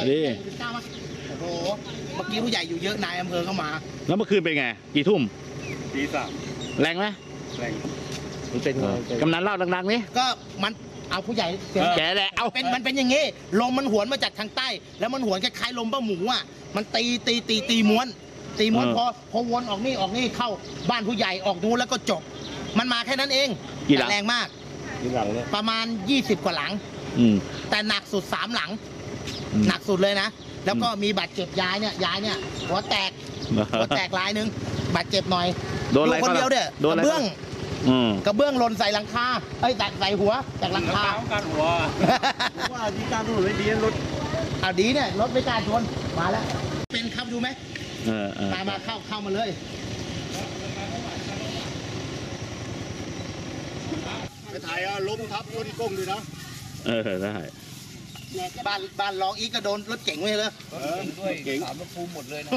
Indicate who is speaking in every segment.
Speaker 1: ดิ
Speaker 2: โอ้โหเมื่อกี้ผู้ใหญ่อยู่เยอะนายอำเภอเข้ามา
Speaker 1: แล้วเมื่อคืนเป็นไงกี่ทุ่ม
Speaker 3: ตี 3
Speaker 1: แรงไหม
Speaker 3: แรง
Speaker 1: กำนันเล่าดังๆนี่
Speaker 2: ก็มันเอาผู้ใหญ่
Speaker 1: แกแหละเอา
Speaker 2: มันเป็นอย่างงี้ลมมันหวนมาจากทางใต้แล้วมันหวนคล้ายๆลมป้าหมูอ่ะมันตีม้วนพอวนออกนี่เข้าบ้านผู้ใหญ่ออกนู้นแล้วก็จบมันมาแค่นั้นเองแต่แรงมากประมาณ20 กว่าหลังแต่หนักสุด3 หลังหนักสุดเลยนะแล้วก็มีบาดเจ็บยายเนี่ยหัวแตกรายนึงบาดเจ็บหน่อย
Speaker 1: โดนอะไร
Speaker 2: คนเดียวเด้อกระเบื้องหล่นใส่หลังคาใส่หัวจากหลังคา
Speaker 3: การหัวว่าดีการถนนไม่ดีรถ
Speaker 2: ดีเนี่ยรถไม่กล้าชนมาแล้วเป็นครับดูไหมตามมาเข้ามาเลย
Speaker 3: ไปถ่ายล้มทับรถก้มด้วยนะ
Speaker 1: ได้
Speaker 2: บ้านร้องอีกก็โดนรถเก๋งไว้เลย
Speaker 3: ด้วยเก๋ง
Speaker 2: 3 รถภูมิหมดเลยนะ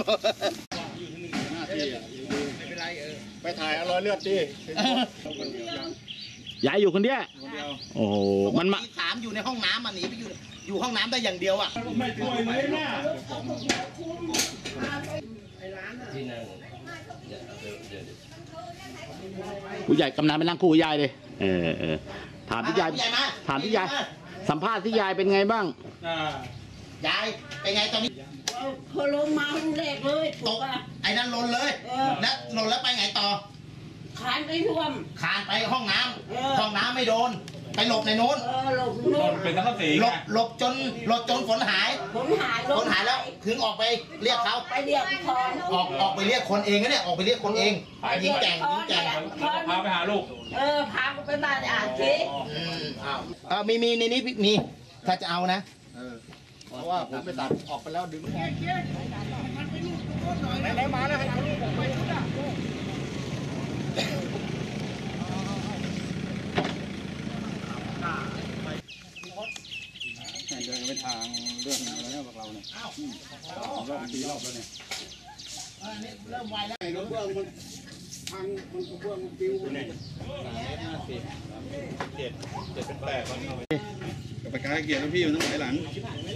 Speaker 3: ไม่เป็นไรไปถ่ายรอยเลือดดิ
Speaker 1: ยายอยู่คนเดียวโอ้โหมันมา
Speaker 2: ถามอยู่ในห้องน้ำมันหนีไปอยู่ห้องน้ำได้อย่างเดียวอ่ะ
Speaker 3: ไม่ป่วยเลยนะ
Speaker 1: ผู้ใหญ่กำนันไปนั่งคู่ยายเลยถามที่ยายสัมภาษณ์ที่ยายเป็นไงบ้าง
Speaker 2: ยายเป็นไงตอนนี้
Speaker 4: พอลงมาห้องแรกเลย
Speaker 2: ตกไอ้นั่นหล่นเลยแล้วหล่นแล้วไปไงต่อ
Speaker 4: คานไปท่วม
Speaker 2: คานไปห้องน้ำไม่โดนไปหลบในโน้น
Speaker 4: หลบ
Speaker 3: เป็นทั้งสี่
Speaker 2: หลบจนฝนหายแล้วถึงออกไปเรียกเขา
Speaker 4: ไปเรียกคน
Speaker 2: ออกไปเรียกคนเองนะเนี่ยออกไปเรียกคนเองยิงแก่ง
Speaker 3: พาไปหาลูก
Speaker 4: พาไปบ้านอาทิ
Speaker 2: มีในนี้มีถ้าจะเอานะ
Speaker 3: เพราะว่าผมไปตัดออกไปแล้วดึงไหนมาแล้วให้เอาลูกผมไปชุดอ่ะเดินไปทางเรื่องอะไรเนี่ยพวกเราเนี่ยรอบตีรอบแล้วเนี่ย
Speaker 2: เริ่มไวแล้ว
Speaker 3: รถเบื้องมันทางมันเบื้องมันปิ้วเนี่ย7เป็น8วันเข้าไปกับไปกายเกียร์แล้วพี่อยู่ตรงไหนหลังมัน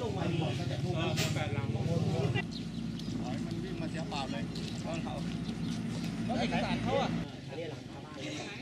Speaker 3: วิ่งมาเสียเปล่าเลยเขาเอกสารเขาอ่ะ